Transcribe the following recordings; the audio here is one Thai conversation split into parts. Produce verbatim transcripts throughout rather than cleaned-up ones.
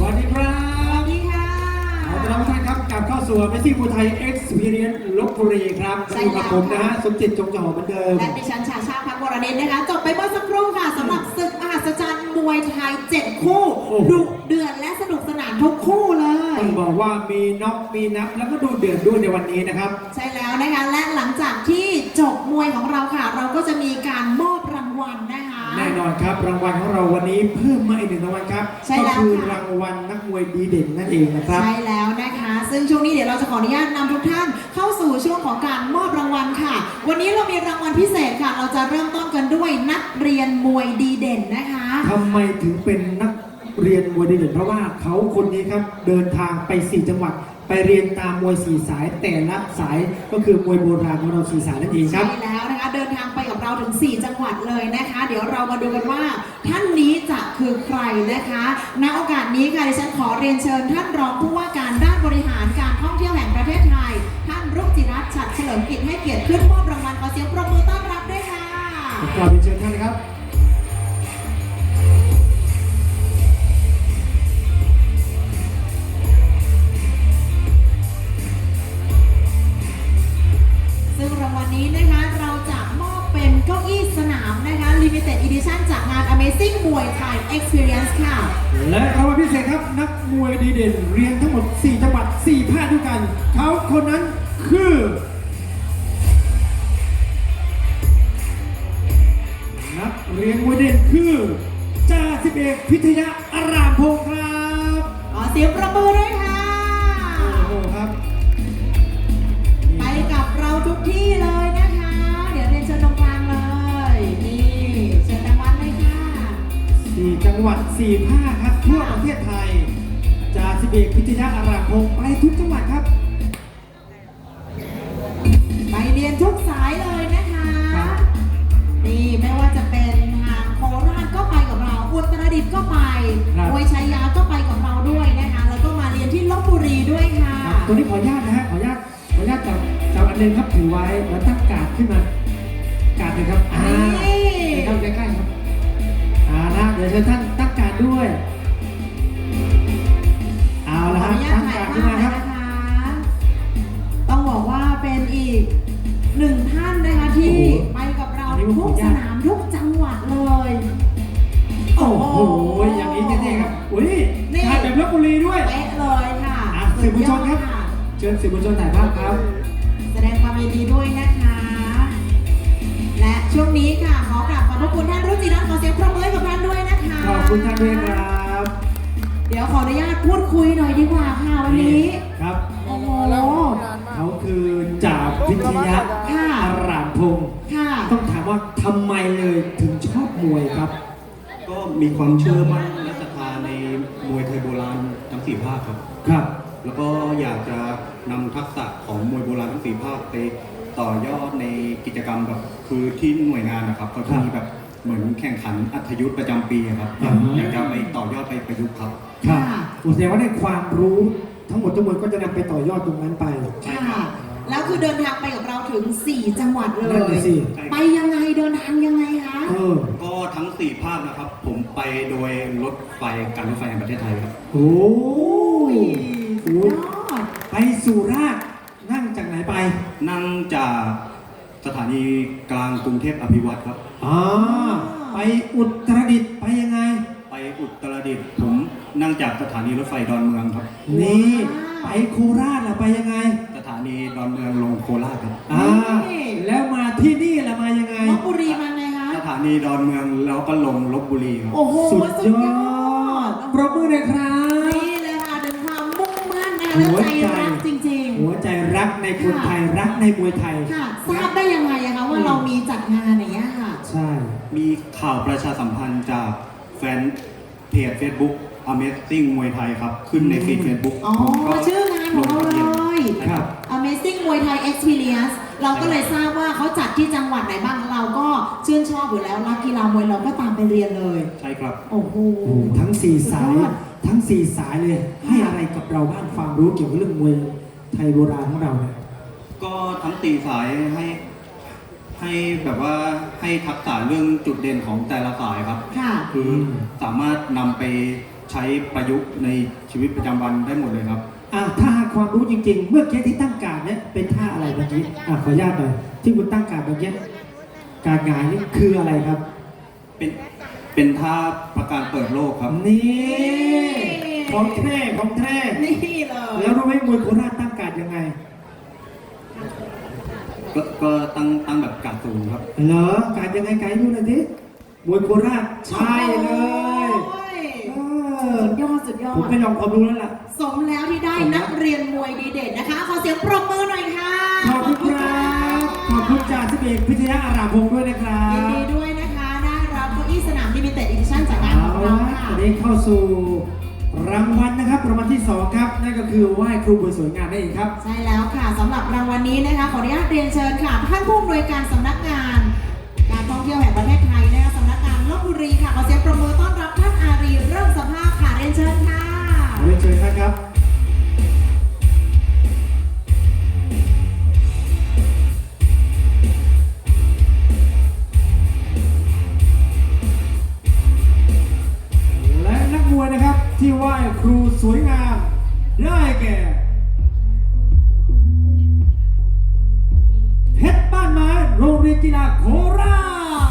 วัสดีครับสวัสดีค่ะขอต้อนรับทุกท่านครับกลับเข้าสู่ Amazing ภูไทย Experience ลพบุรีครับอยู่กับผมนะฮะสมจิตจงจอเหมือนเดิมและดิฉันชาชาพักวรเดชนะคะจบไปเมื่อสักครู่ค่ะสำหรับศึกมหัศจรรย์มวยไทยเจ็ดคู่ดุเดือดและสนุกสนานทุกคู่เลยต้องบอกว่ามีน็อกมีนับแล้วก็ดูเดือดด้วยในวันนี้นะครับใช่แล้วนะคะและหลังจากที่จบมวยของเราค่ะ เราก็จะมีการมอบรางวัลนะคะแน่นอนครับรางวัลของเราวันนี้เพิ่มมาอีกหนึ่งรางวัลครับก็คือรางวัลนักมวยดีเด่นนั่นเองนะครับใช่แล้วนะคะซึ่งช่วงนี้เดี๋ยวเราจะขออนุญาตนำทุกท่านเข้าสู่ช่วงของการมอบรางวัลค่ะวันนี้เรามีรางวัลพิเศษค่ะเราจะเริ่มต้นกันด้วยนักเรียนมวยดีเด่นนะคะทำไมถึงเป็นนักเรียนมวยดีเด่นเพราะว่าเขาคนนี้ครับเดินทางไปสี่จังหวัดไปเรียนตามมวยสี่สายแต่ละสายก็คือมวยโบราณของเราสี่สายนั่นเองครับใช่แล้วนะคะเดินทางไปกับเราถึงสี่จังหวัดเลยนะคะเดี๋ยวเรามาดูกันว่าท่านนี้จะคือใครนะคะณโอกาสนี้ค่ะดิฉันขอเรียนเชิญท่านรองผู้ว่าการด้านบริหารการท่องเที่ยวแห่งประเทศไทยท่านรุจิรัตน์ฉัตรเฉลิมกิจให้เกียรติขึ้นมอบรางวัลขอเสียงปรบมือต้อนรับด้วยค่ะขอเรียนเชิญท่านนะครับซึ่งรางวัลนี้นะคะเราจะมอบเป็นเก้าอี้สนามนะคะ Limited Edition จากงาน Amazing มวยไทย Experience ค่ะและรางวัลพิเศษครับนักมวยดีเด่นเรียนทั้งหมดสี่จังหวัดสี่ภาคด้วยกันเขาคนนั้นคือนักเรียนมวยเด่นคือจ่าสิบเอกพิทยาอารามพงศ์ครับขอเสียงประมือด้วยค่ะโอ้โหครับไปกับเราทุกที่เลยนะคะเดี๋ยวเรียนเชิญตรงกลางเลยนี่เชิญรางวัลเลยค่ะสี่จังหวัดสี่ภาคครับทั่วประเทศไทยจ่าสิบเอกพิทยาอารามพงศ์ไปทุกจังหวัดครับไปเรียนทุกสายเลยนะคะนี่ไม่ว่าจะเป็นทางโคราชก็ไปกับเราอุตรดิตถ์ก็ไปมวยชัยยาก็ไปกับเราด้วยนะคะแล้วก็มาเรียนที่ลพบุรีด้วยค่ะตัวนี้ขออนุญาตนะฮะขออนุญาตขออนุญาตจับจับอันหนึ่งครับถือไว้แล้วตั้งการ์ดขึ้นมากาดเลยครับอ่าเข้าใกล้ๆครับอ่านะเดี๋ยวเชิญท่านตั้งการ์ดด้วยเอาละครับตั้งการ์ดขึ้นมาครับต้องบอกว่าเป็นอีกหนึ่งท่านนะคะที่ไปกับเราทุกสนามทุกจังหวัดเลยโอ้โหอย่างนี้เท่ๆครับอุ้ยถ่ายแบบลพบุรีด้วยเป๊ะเลยค่ะสื่อมวลชนครับเชิญสื่อมวลชนถ่ายภาพครับแสดงความยินดีด้วยนะคะและช่วงนี้ค่ะขอกราบขอบพระคุณท่านรุจิรัตน์ขอเสียงปรบมือให้กับท่านด้วยนะคะขอบคุณท่านด้วยครับเดี๋ยวขออนุญาตพูดคุยหน่อยดีกว่าค่ะวันนี้ครับโอ้โหเขาคือจ่าพิทยาอารามพงศ์ต้องถามว่าทำไมเลยถึงชอบมวยครับก็มีความเชื่อมั่นและศรัทธาในมวยไทยโบราณทั้งสี่ภาคครับครับแล้วก็อยากจะนำทักษะของมวยโบราณทั้งสี่ภาคไปต่อยอดในกิจกรรมแบบคือที่หน่วยงานนะครับเขาจะมีแบบเหมือนแข่งขันอัธยุทธ์ประจำปีครับอยากจะไปต่อยอดไปประยุกต์ครับครับแสดงว่าได้ความรู้ทั้งหมดทั้งมวลก็จะนำไปต่อยอดตรงนั้นไปค่ะแล้วคือเดินทางไปกับเราถึงสี่จังหวัดเลยไปยังไงเดินทางยังไงคะก็ทั้งสี่ภาคนะครับผมไปโดยรถไฟการรถไฟแห่งประเทศไทยครับโอ้ยไปสุราษฎร์นั่งจากไหนไปนั่งจากสถานีกลางกรุงเทพอภิวัตรครับอ๋อไปอุตรดิตถ์ไปยังไงไปอุตรดิตถ์ผมนั่งจากสถานีรถไฟดอนเมืองครับนี่ไปโคราชล่ะไปยังไงสถานีดอนเมืองลงโคราชครับอ่าแล้วมาที่นี่ล่ะมายังไงลพบุรีมาไงคะสถานีดอนเมืองแล้วก็ลงลพบุรีครับโอ้โหสุดยอดปรบมือเลยครับนี่เลยค่ะถึงความมุ่งมั่นนะและใจรักจริงๆหัวใจรักในคนไทยรักในมวยไทยค่ะทราบได้ยังไงคะว่าเรามีจัดงานอย่างเงี้ยค่ะใช่มีข่าวประชาสัมพันธ์จากแฟนเพจ Facebook Amazing มวยไทยครับขึ้นในฟีด Facebook อ๋อชื่องานของเราเลยครับ Amazing มวยไทย Experience เราก็เลยทราบว่าเขาจัดที่จังหวัดไหนบ้างเราก็ชื่นชอบอยู่แล้วรักกีฬามวยเราก็ตามไปเรียนเลยใช่ครับโอ้โหทั้งสี่สายทั้งสี่สายเลยให้อะไรกับเราบ้างความรู้เกี่ยวกับเรื่องมวยไทยโบราณของเราเนี่ยก็ทั้งสี่สายให้ให้แบบว่าให้ทักษะเรื่องจุดเด่นของแต่ละสายครับคือสามารถนำไปใช้ประยุกต์ในชีวิตประจำวันได้หมดเลยครับอ่ะถ้าหากความรู้จริงๆ เมื่อกี้ที่ตั้งการเนี่ยเป็นท่าอะไรเมื่อกี้อ่ะขออนุญาตหน่อยที่คุณตั้งการเมื่อกี้การหงายนี่คืออะไรครับเป็นเป็นท่าประการเปิดโลกครับนี่ของแท้ของแท้นี่เลยแล้วรู้ไหมมวยโคราชตั้งการยังไงก็ก็ตั้งตั้งแบบการสูงครับเหรอการยังไงไกด์ดูหน่อยดิมวยโคราชใช่เลยโอ้ยเออสุดยอดสุดยอผมดไปลองความรู้แล้วล่ะสมแล้วที่ได้นักเรียนมวยดีเด่นนะคะ ขอเสียงปรบมือหน่อยค่ะขอบคุณครับขอบคุณจ่าสิบเอกพิทยาอาราพงศ์ด้วยนะครัยินบดีด้วยนะคะได้รับเก้าอี้สนามลิมิเต็ดอีดิชั่นจากงานเอาของละเราค่ะวันนี้เข้าสู่รางวัลนะครับรางวัลที่สองครับนั่นก็คือไหว้ครูผู้สวยงามนั่นเองครับใช่แล้วค่ะสำหรับรางวัลนี้นะคะ ขออนุญาตเรียนเชิญค่ะท่านผู้อำนวยการสำนักงาน การท่องเที่ยวแห่งประเทศไทยนะคะสำนักงานลพบุรีค่ะขอเสียงปรบมือต้อนรับท่านอารีเริ่มสภาพค่ะเรียนเชิญค่ะเรียนเชิญนะครับและนักมวยนะครับที่ไหว้ครูสวยงามได้แก่เพชรบ้านไม้โรงเรียนกีฬาโคราช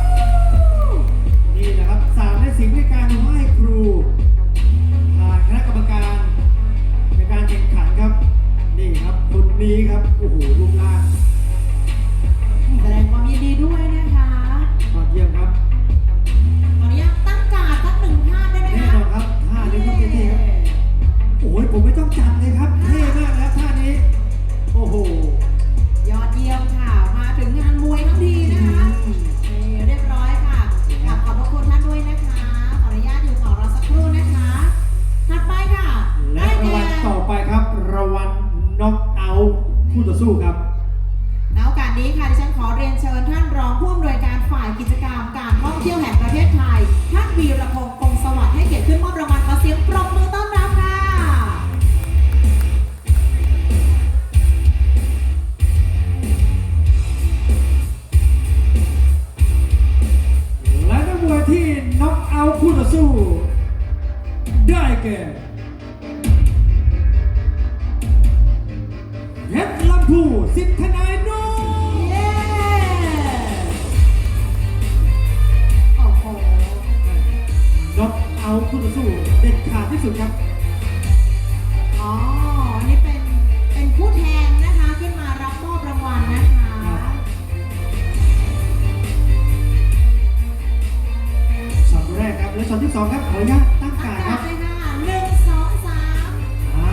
นี่นะครับสามในสิ่งในการไหว้ครูผ่านคณะกรรมการในการแข่งขันครับ นี่ครับคนนี้ครับโอ้โหรูปร่างแสดงความยินดีด้วยนะคะยอดเยี่ยมครับขออนุญาตตั้งการ์ดสักหนึ่งท่าได้ไหมแน่คะนอนครับท่านี้ต้องเท่ๆครับโอ้ยผมไม่ต้องจำเลยครับเท่มากแล้วท่านี้โอ้โหยอดเยี่ยมค่ะ มาถึงงานมวยทั้งทีนะคะนี่เรียบร้อยค่ะกราบขอบพระคุณท่านด้วยนะคะ ขออนุญาตอยู่ต่อรอสักครู่นะคะถัดไปค่ะและได้รางแก่วัลต่อไปครับรางวัลน็อกเอาท์คู่ต่อสู้ครับณโอกาสนี้ค่ะดิฉันขอเรียนเชิญท่านรองผู้อำนวยการฝ่ายกิจกรรมการท่องเที่ยวแห่งประเทศไทยท่านวีรพงศ์คงสวัสดิ์ให้เกียรติขึ้นมอบรางวัลขอเสียงปรบมือต้อนรับค่ะและนักมวยที่น็อกเอาท์คู่ต่อสู้ ได้แก่เพชรลำพูสิทธนายนุ่มเย้โอ้โหน็อกเอาท์คู่ต่อสู้เด็ดขาดที่สุดครับอ๋อ นี่เป็น เป็นผู้แทนนะคะ ขึ้นมารับมอบรางวัลนะคะช็อตแรกครับและช็อตที่สองครับขออนุญาตตั้งอาการกาคศรับเลยค่ะหนึ่งสองสามอ่า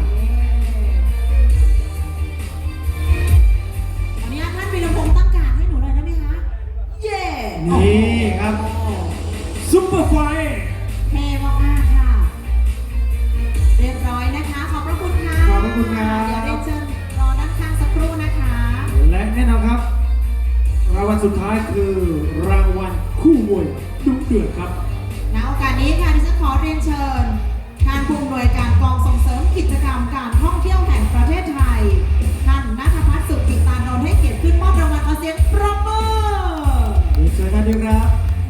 วันนี้ท่านวีรพงศ์ตั้งการให้หนูหน่อยได้ไหมคะ เย้นี่ครับโอ้โหซุปเปอร์ไฟท์เท่มากๆค่ะ เรียบร้อยนะคะ ขอบพระคุณค่ะขอบพระคุณครับเดี๋ยวเรียนเชิญรอด้านข้างสักครู่นะคะและแน่นอนครับ รางวัลสุดท้ายคือรางวัลคู่มวยดุเดือดครับณโอกาสนี้ค่ะดิฉันขอเรียนเชิญท่านผู้อำนวยการกองส่งเสริมกิจกรรมการท่องเที่ยวแห่งประเทศไทย ท่านณัฐพัฒน์สุขกิตานนท์ให้เกียรติขึ้นมอบรางวัลขอเสียงปรบมือเรียนเชิญท่านด้วยครับ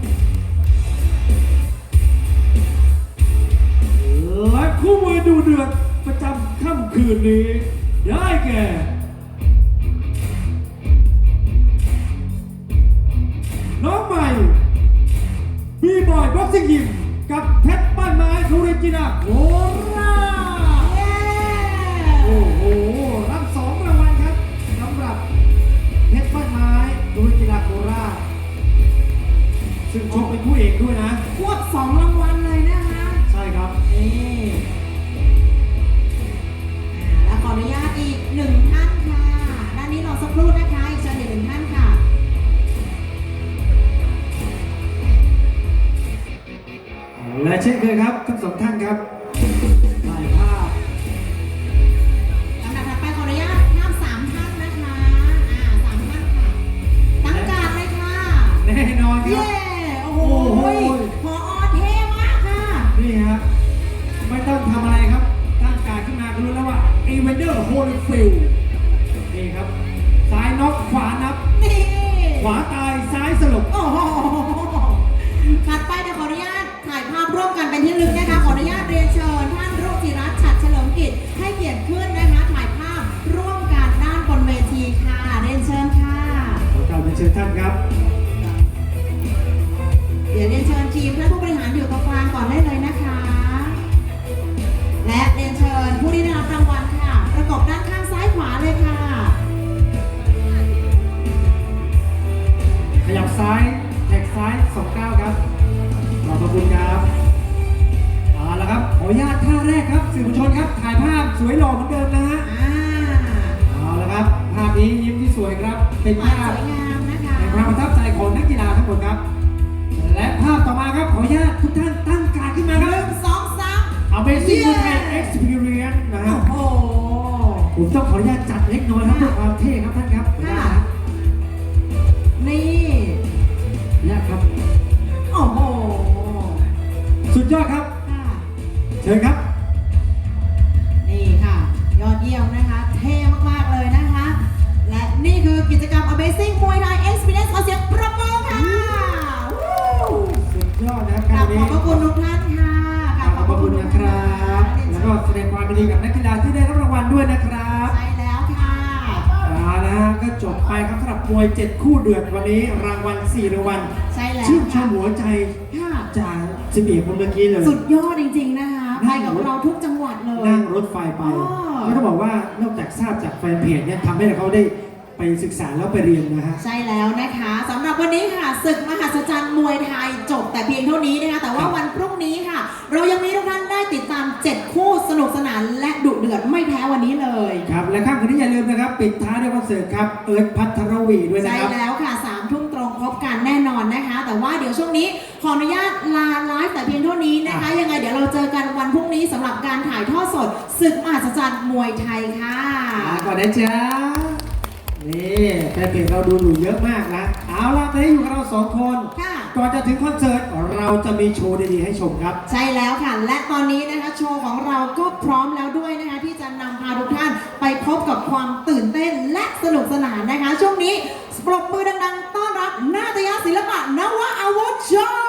และคู่มวยดูเดือดประจำค่ำคืนนี้ ได้แก่น้องใหม่บีบอยบ็อกซิ่งยิมกับเพชรบ้านไม้โรงเรียนกีฬาโคราชเย้โอ้โห รับสองรางวัลครับสำหรับเพชรบ้านไม้โรงเรียนกีฬาโคราชซึ่งชกเป็นผู้เอกด้วยนะควบสองรางวัลเลยนะคะใช่ครับนี่อ่าและขออนุญาตอีกหนึ่งท่านค่ะ ด้านนี้รอสักครู่นะคะ อีกเชิญอีกหนึ่งท่านค่ะและเช่นเคยครับทั้งสองท่านครับถ่ายภาพลำดับถัดไปขออนุญาตนำสามท่านนะคะ อ่าสามท่านค่ะ ตั้งการเลยค่ะแน่นอนคเย้รับโอ้โหโอ้โหพอเท่มากค่ะนี่ฮะไม่ต้องทำอะไรครับตั้งการขึ้นมาก็รู้แล้วว่าเอเวนเดอร์โฮลิฟิลนี่ครับซ้ายน็อกขวานับนี่ขวาตายซ้ายสลบโอ้โหถัดไปเดี๋ยวขออนุญาตถ่ายภาพร่วมกันเป็นที่ระลึกนะคะ ขอและเรียนเชิญผู้ที่ได้รับรางวัลค่ะ ประกบด้านข้างซ้ายขวาเลยค่ะขยับซ้ายแท็กซ้ายสองเก้าครับขอบพระคุณครับเอาละครับขออนุญาตท่าแรกครับสื่อมวลชนครับถ่ายภาพสวยหล่อเหมือนเดิมนะฮะอ่าเอาละครับภาพนี้ยิ้มที่สวยครับเป็นหวานภาพสวยงามนะคะเป็นความประทับใจของนักกีฬาทั้งหมดครับ และภาพต่อมาครับขออนุญาตทุกท่านตั้งการดขึ้นมาหครันึ่บงสองสาม Amazing เย้ Thai Experience นะครัโอ้บโหผมต้องขออนุญาตจัดเล็กน้อยครับเพื่อความเท่ครับท่านครับค่ะ นี่เนี่ยครับโอ้โหสุดยอดครับค่ะเชิญครับนี่ค่ะ ยอดเยี่ยมนะคะ เท่มากๆเลยนะคะ และนี่คือกิจกรรม Amazing Muay Thai Experience ขอเสียงปรบมือค่ะวู้สุดยอดนะครับกการราบขนี้อบพระคุณทุกท่านค่ะขอบพระคุณนะครับ แล้วก็แสดงความยินดีกับนักกีฬาที่ได้รับรางวัลด้วยนะครับใช่แล้วค่ะเอาละฮะก็จบไปครับสำหรับมวยเจ็ดคู่เดือดวันนี้รางวัลสี่รางวัลใช่แล้วชื่นชค่ะมหัวใจค่ะจากสิบเอกคนเมื่อกี้เลยสุดยอดจริงๆนะคะ ไปกับเราทุกจังหวัดเลยนั่งรถไฟไปอ๋อก็ต้องบอกว่านอกจากทราบจากแฟนเพจเนี่ยทำให้เขาได้ไปศึกษาแล้วไปเรียนนะฮะใช่แล้วนะคะสำหรับวันนี้ค่ะศึกมหัศจรรย์มวยไทยจบแต่เพียงเท่านี้นะคะแต่ว่าครับวันพรุ่งนี้ค่ะ เรายังมีทุกท่านได้ติดตามเจ็ดคู่สนุกสนานและดุเดือดไม่แพ้วันนี้เลยครับและค่ำคืนนี้อย่าลืมนะครับ ปิดท้ายด้วยคอนเสิร์ตครับ เอิร์ธพัทรวีด้วยนะใช่ครับแล้วค่ะสามทุ่มตรงพบกันแน่นอนนะคะ แต่ว่าเดี๋ยวช่วงนี้ขออนุญาตลาไลฟ์แต่เพียงเท่านี้นะคะ ยังไงเดี๋ยวเราเจอกันวันพรุ่งนี้สำหรับการถ่ายทอดสดศึกมหัศจรรย์มวยไทยค่ะลาก่อนนะจ๊ะ นี่แฟนเพจเราดูอยู่เยอะมากนะ เอาล่ะตอนนี้อยู่กับเราสองคนค่ะก่อนจะถึงคอนเสิร์ตเราจะมีโชว์ดีๆให้ชมครับใช่แล้วค่ะ และตอนนี้นะคะโชว์ของเราก็พร้อมแล้วด้วยนะคะ ที่จะนำพาทุกท่านไปพบกับความตื่นเต้นและสนุกสนานนะคะ ช่วงนี้ปรบมือดังๆ ต้อนรับนาฏยศิลปะนวอาวุธโชว์